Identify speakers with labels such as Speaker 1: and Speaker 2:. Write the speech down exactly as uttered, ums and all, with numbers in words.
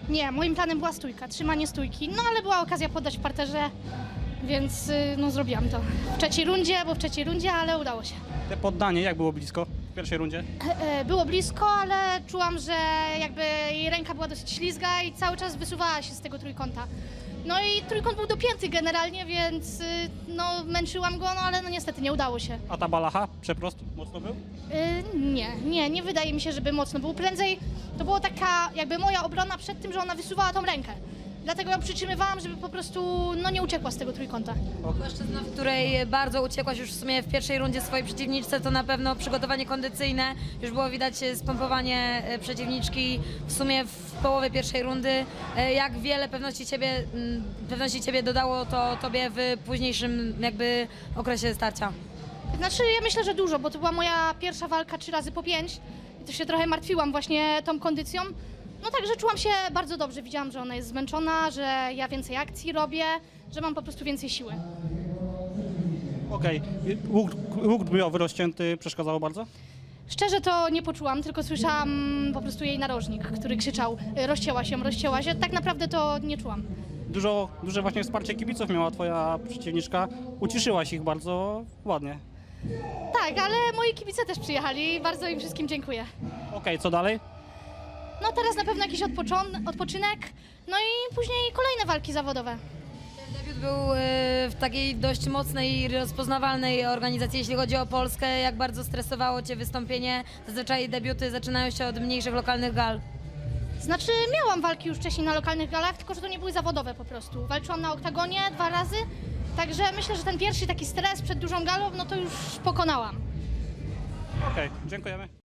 Speaker 1: Nie, moim planem była stójka, trzymanie stójki, no ale była okazja poddać w parterze, więc y, no zrobiłam to. W trzeciej rundzie, bo w trzeciej rundzie, ale udało się.
Speaker 2: Te poddanie, jak było blisko w pierwszej rundzie?
Speaker 1: E, e, Było blisko, ale czułam, że jakby jej ręka była dosyć ślizga i cały czas wysuwała się z tego trójkąta. No i trójkąt był dopięty generalnie, więc y, no męczyłam go, no ale no niestety nie udało się.
Speaker 2: A ta balacha, przeprost, mocno był?
Speaker 1: Y, nie, nie, nie wydaje mi się, żeby mocno był. Prędzej to była taka jakby moja obrona przed tym, że ona wysuwała tą rękę. Dlatego ją przytrzymywałam, żeby po prostu no, nie uciekła z tego trójkąta.
Speaker 3: Płaszczyzna, w której bardzo uciekłaś już w sumie w pierwszej rundzie swojej przeciwniczce, to na pewno przygotowanie kondycyjne. Już było widać spompowanie e, przeciwniczki w sumie w połowie pierwszej rundy. E, Jak wiele pewności ciebie, m, pewności ciebie dodało to tobie w późniejszym jakby okresie starcia?
Speaker 1: Znaczy ja myślę, że dużo, bo to była moja pierwsza walka trzy razy po pięć i to się trochę martwiłam właśnie tą kondycją. No także czułam się bardzo dobrze, widziałam, że ona jest zmęczona, że ja więcej akcji robię, że mam po prostu więcej siły.
Speaker 2: Okej. Łuk, łuk bojowy rozcięty przeszkadzało bardzo?
Speaker 1: Szczerze to nie poczułam, tylko słyszałam po prostu jej narożnik, który krzyczał y, rozcięła się, rozcięła się. Tak naprawdę to nie czułam.
Speaker 2: Dużo, duże właśnie wsparcie kibiców miała twoja przeciwniczka. Uciszyłaś ich bardzo ładnie.
Speaker 1: Tak, ale moi kibice też przyjechali i bardzo im wszystkim dziękuję.
Speaker 2: Okej, co dalej?
Speaker 1: No teraz na pewno jakiś odpoczon- odpoczynek, no i później kolejne walki zawodowe.
Speaker 3: Ten debiut był e, w takiej dość mocnej i rozpoznawalnej organizacji, jeśli chodzi o Polskę. Jak bardzo stresowało cię wystąpienie? Zazwyczaj debiuty zaczynają się od mniejszych lokalnych gal.
Speaker 1: Znaczy miałam walki już wcześniej na lokalnych galach, tylko że to nie były zawodowe po prostu. Walczyłam na oktagonie dwa razy, także myślę, że ten pierwszy taki stres przed dużą galą, no to już pokonałam.
Speaker 2: Okej, dziękujemy.